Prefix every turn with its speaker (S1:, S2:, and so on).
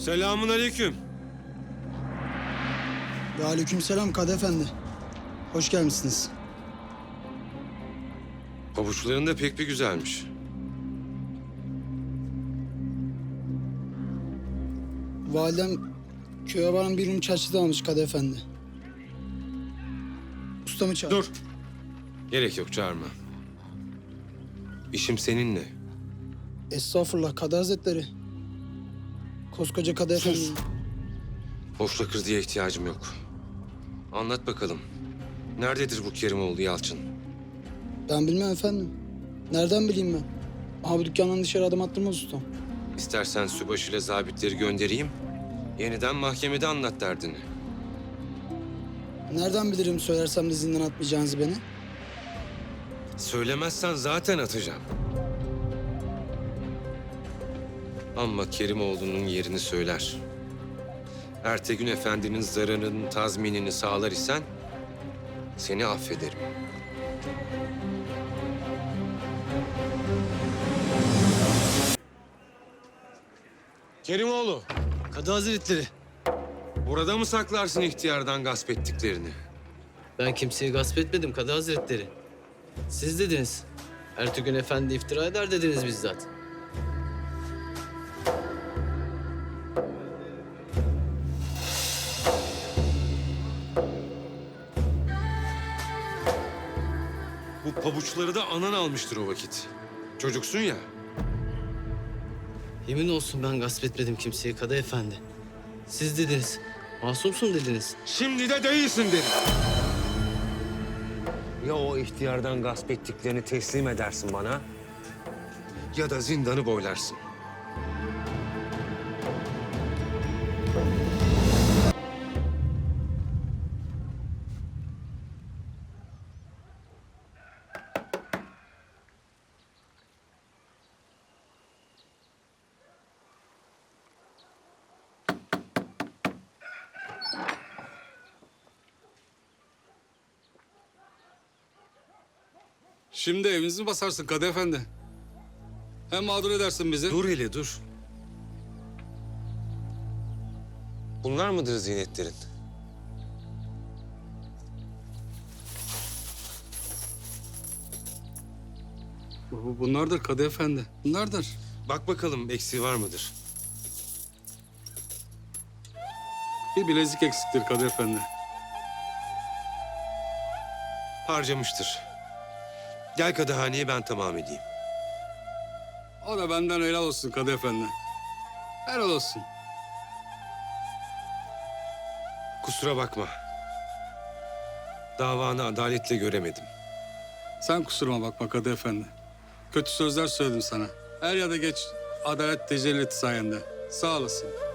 S1: Selamun aleyküm.
S2: Ve aleykümselam Kadı Efendi. Hoş gelmişsiniz.
S1: Pabuçların da pek bir güzelmiş.
S2: Validem köye varan bir çarşıda almış Kadı Efendi. Ustamı çağır.
S1: Dur. Gerek yok, çağırma. İşim seninle.
S2: Estağfurullah Kadı Hazretleri. Koskoca Kadı Efendi.
S1: Boşla kırdıya ihtiyacım yok. Anlat bakalım. Nerededir bu Kerimoğlu Yalçın?
S2: Ben bilmem efendim. Nereden bileyim ben? Aha bu dükkandan dışarı adım attırmaz ustam.
S1: İstersen sübaşıyla zabitleri göndereyim. Yeniden mahkemede anlat derdini.
S2: Nereden bilirim söylersem de zindan atmayacağınızı beni?
S1: Söylemezsen zaten atacağım. Ama Kerimoğlu'nun yerini söyler. Ertegün Efendi'nin zararının tazminini sağlar isen seni affederim. Kerimoğlu,
S3: Kadı Hazretleri,
S1: burada mı saklarsın ihtiyardan gasp ettiklerini?
S3: ben kimseyi gasp etmedim Kadı Hazretleri. Siz dediniz. Ertuğrul Efendi iftira eder dediniz bizzat.
S1: Bu pabuçları da anan almıştır o vakit. Çocuksun ya.
S3: Yemin olsun ben gasp etmedim kimseyi Kadı Efendi. Siz dediniz. Masumsun dediniz.
S1: Şimdi de değilsin dedim. Ya o ihtiyardan gasp ettiklerini teslim edersin bana... ...ya da zindanı boylarsın.
S4: Şimdi evimizi basarsın Kadı Efendi. Hem mağdur edersin bizi.
S1: Dur hele dur. Bunlar mıdır zinetlerin?
S4: Bunlardır Kadı Efendi. Bunlardır.
S1: Bak bakalım eksiği var mıdır?
S4: Bir bilezik eksiktir Kadı Efendi.
S1: Harcamıştır. Gel Kadıhane'ye ben tamam edeyim.
S4: O da benden helal olsun Kadı Efendi. Helal olsun.
S1: Kusura bakma. Davanı adaletle göremedim.
S4: Sen kusuruma bakma Kadı Efendi. Kötü sözler söyledim sana. Er ya da geç adalet tecelli etti sayende. Sağ olasın.